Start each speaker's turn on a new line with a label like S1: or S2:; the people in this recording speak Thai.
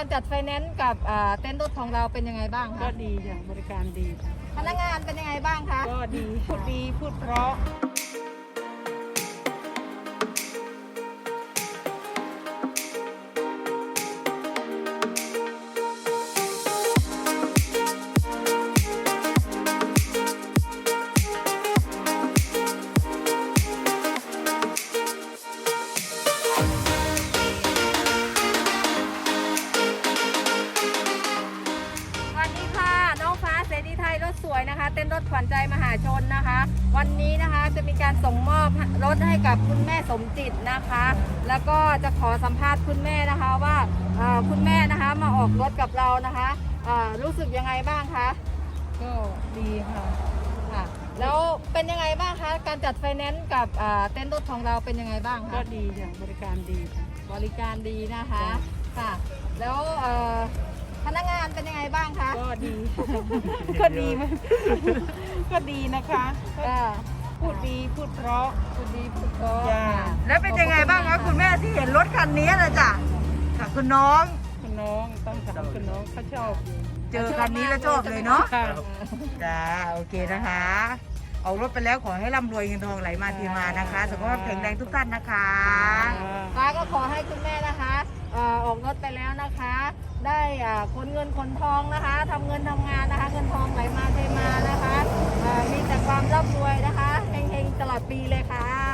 S1: การจัดไฟแนนซ์กับเต้นรถของเราเป็นยังไงบ้างคะ
S2: ก็ดีจ้ะบริการดีจ้ะ
S1: พนักงานเป็นยังไงบ้างคะ
S2: ก็ดีพูดเพราะ
S1: สวัสดีค่ะน้องฟ้าเสรีไทยรถสวยนะคะ เต้นรถขวัญใจมหาชนนะคะ วันนี้นะคะจะมีการส่งมอบรถให้กับคุณแม่สมจิตนะคะ แล้วก็จะขอสัมภาษณ์คุณแม่นะคะว่าคุณแม่นะคะมาออกรถกับเรานะคะรู้สึกยังไงบ้างคะ
S2: ก็ดีค่ะ
S1: ค่ะแล้วเป็นยังไงบ้างคะการจัดไฟแนนซ์กับเต้นรถของเราเป็นยังไงบ้าง
S2: ก็
S1: คะ
S2: ดีจ้ะบริการดีจ้ะ
S1: บริการดีนะคะ
S2: จ้ะ
S1: ค่ะแล้วพนักงานเป็นยังไงบ้างคะ
S2: ก็ดี ก็ดีมากก็ดีนะคะ พูดดีพูดเพราะ
S1: คุณดีพูดเพราะ
S2: จ้ะ
S1: ค่ะ
S3: แล้วเป็นยังไงบ้างคะคุณแม่ที่เห็นรถคันนี้นะจ๊ะกับคุณน้อง
S2: คุณน้องต้องถามคุณน้องเขาชอบอยู่
S3: เจอคันนี้แล้วชอบเลยเนาะ
S2: ค่ะ
S3: จ้าโอเคนะคะเอารถไปแล้วขอให้ร่ำรวยเงินทองไหลมาเทมานะคะสุขภาพแข็งแรงทุกท่านนะคะ
S1: ป้าก็ขอให้คุณแม่นะคะออกรถไปแล้วนะคะ ได้ขนเงินขนทองนะคะทำเงินทำงานนะคะ เงินทองไหลมาเทมานะคะมีแต่ความร่ำรวยนะคะเฮงๆตลอดปีเลยค่ะ